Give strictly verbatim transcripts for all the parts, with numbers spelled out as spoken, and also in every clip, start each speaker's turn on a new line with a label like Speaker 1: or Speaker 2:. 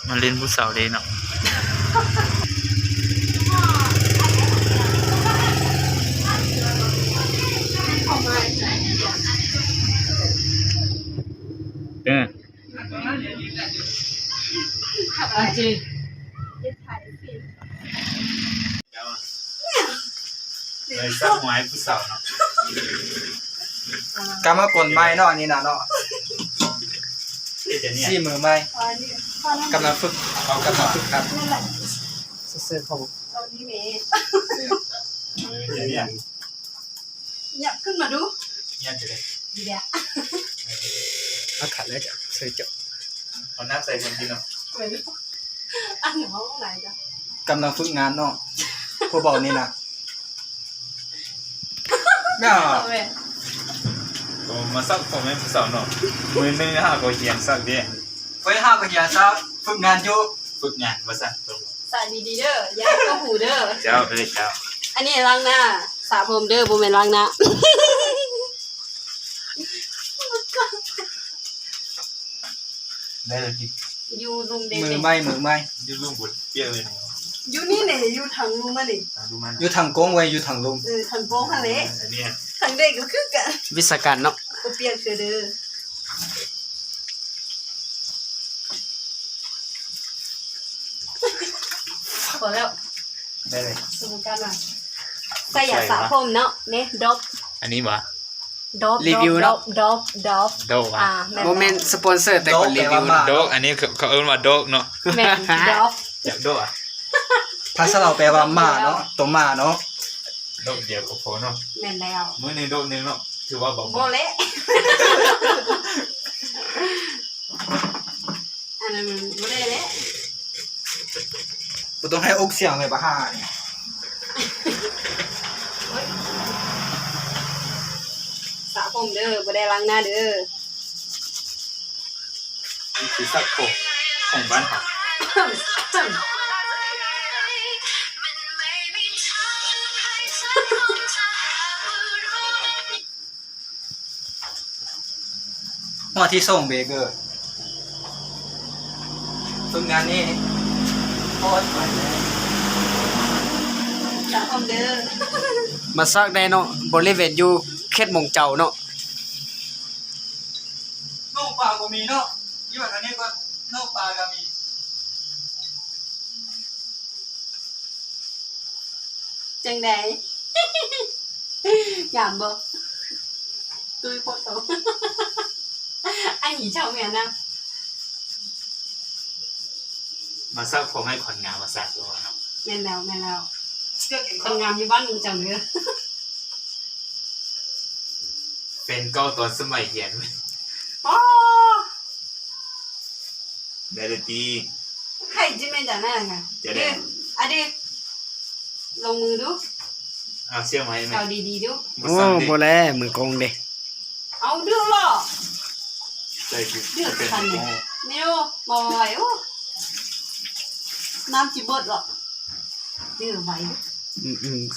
Speaker 1: มาเล่นผู้สาวเลยเนาะเออ
Speaker 2: อาจี
Speaker 1: เลยสักหมายผู้สาวเนาะ
Speaker 3: กำมากลไม้เนาะอันนี้นะเนาะซี่มือไม้กำลังฝึกเอากำลังฝึกครับเสื้อเขา
Speaker 2: เอานี่เมย์
Speaker 1: เดี๋ยวนี้
Speaker 2: เนี่ยขึ้นมาดู
Speaker 1: เงียบเลย
Speaker 2: ดีเดียว
Speaker 3: เอาขาเลยจ้ะเสื้อเจาะ
Speaker 1: เอาน้ำใส่คนกินเนาะ
Speaker 2: ไปดูอันหนูห้องไหนจ้ะ
Speaker 3: กำลังฝึกงานเนาะพวกบอกนี่นะเนาะ
Speaker 1: ผมมาสักผมไม่ผู้สาวเนาะมือนึงห้าก็เขียนสักเดีย
Speaker 3: ไว้ห้ากันยาซะฝึกงานอยู่
Speaker 1: ฝึกงานมาสัก
Speaker 2: ใส่ดีๆเด้อยาก็หูเด้อ
Speaker 1: เจ้าเอ้ยเจ้า
Speaker 2: อันนี้ล้างหน้าสระผมเด้อบ่แม่นล้างหน้า
Speaker 1: ได้เลยกิน
Speaker 2: อยู่ลุงเด็
Speaker 3: มือไม้มือไม้
Speaker 1: ยืดลุ่มบุญเปรี้ยวเลย
Speaker 2: อยู่นี่เนี่ยอยู่ทางลุงมานี่
Speaker 1: ดูมัน
Speaker 3: อยู่ทางโก้งไว้อยู่ทางลม
Speaker 2: เออทางโป้งทางเละ
Speaker 1: อันนี้
Speaker 2: ทางเด็กก็คือกัน
Speaker 3: วิศการเนาะ
Speaker 2: ก็เปลี่ยนเสือเด้อพอแล้ว
Speaker 1: ได้เลย
Speaker 2: สมการว่าใส่ยาสระผมเนาะเนี่ยดอบ
Speaker 1: อันนี้วะ
Speaker 2: ดอบดอบดอบดอบ
Speaker 1: โดกอ่ะ
Speaker 2: อ่า
Speaker 3: โมเมนต์สปอนเซอร์แต่คนรีวิว
Speaker 1: โดกอันนี้เขาเอิ้นว่าโดกเนาะ
Speaker 2: แม่นดอบ
Speaker 1: จากโดกอ่ะ
Speaker 3: ภาษาเราแปลว่าหมาเนาะตัวหมาเนาะ
Speaker 1: โดกเดียวกับโฟเนาะ
Speaker 2: แม่นแล้ว
Speaker 1: มื้อนึงโดกนึงเนาะถือว่าเบา
Speaker 2: โบเละอันนั้นมันโบเละเละ
Speaker 3: กูต้องให้อกเสียงเลยปะฮ่าเนี่ย
Speaker 2: สระผมเด้อบ่ได้ล้างหน้าเด้อ
Speaker 1: ๆนี่คือสักผมของบ้านเขา
Speaker 3: หัวที่ส่งเบเกอร์ฝึกงานนี่โคตรมันเลย
Speaker 2: สระผมเด้อ
Speaker 4: มาซักได้เนาะบริเวณอยู่เขตหมงเจ้าเนาะ
Speaker 3: นกปลาก็มีเนาะยี่ห้อนี้ก็นกปลาก็มี
Speaker 2: จังได๋ ยามบ่ตุ้ยโพดโต ไอ้หีเจ้าแม่นนะ
Speaker 1: มาสักผมให้คนงานมาสักตัวเนาะ
Speaker 2: แม่นแล้วแม่นแล้ว
Speaker 3: เสื้อเก่ง
Speaker 2: คนงามอยู่บ้านมึงเจ้าเด้อ
Speaker 1: เป็นก็ตอนสมัยเรียน
Speaker 2: อ๋อ
Speaker 1: ได้เลยตี
Speaker 2: ใครจิแม่นจังนั่นน่ะ
Speaker 1: จะได้
Speaker 2: อะดิลงมือดู
Speaker 1: เอาเชื่อไหมไหม
Speaker 2: เอาดีๆดู
Speaker 1: มา
Speaker 4: โอ้
Speaker 1: สั่งดิ
Speaker 4: บ่แลมือกงเด้
Speaker 2: เอาดูล่ะ
Speaker 1: ใจคือ
Speaker 2: เดือด
Speaker 1: เป็น
Speaker 2: คัน
Speaker 1: โม
Speaker 2: เนี่ยไม่รู้มาไหวโอ้น้ำจิบดหรอกเดือดไหวดู
Speaker 4: อืมอืม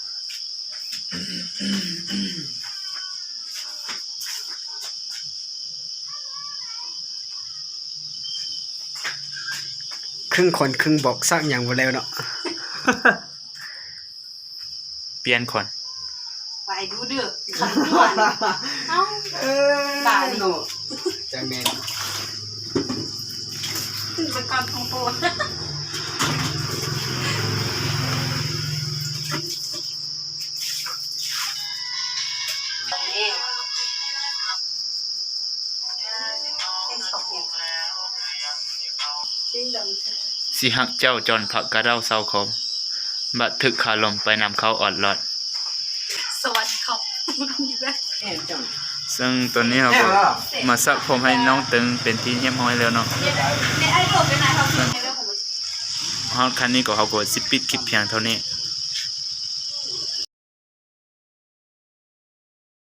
Speaker 4: ครึ่งคนครึ่งบอกซักอย่างบ่แล้วเนาะ
Speaker 1: เปลี่ยนคน
Speaker 2: ไหวดูเดือดขันด่วนเอ้า
Speaker 4: เออ
Speaker 2: ตาดิ
Speaker 4: เนาะจังแม่น
Speaker 2: ขึ้นไปก่อนของโปรดเอ๊ะเป็นสองอย่างจริงดัง
Speaker 1: สิหักเจ้าจอนผักกระเด้าเศร้าคมบัดถึกขาลมไปนำเขาออดหลอด
Speaker 2: สวัสดีครับ
Speaker 4: แอนจัง
Speaker 1: ซึ่งตัวนี้เราก็มาสักผมให้น้องตึงเป็นที่เยี่ยมห้อยแล้วเนาะ
Speaker 2: ในไอ้ตัวเป็นไหนเขาเป็นไอ้เรื่องของมัน
Speaker 1: ฮอดคันนี้ก็เขาก็สิปิดคลิปเพียงเท่านี้
Speaker 2: เ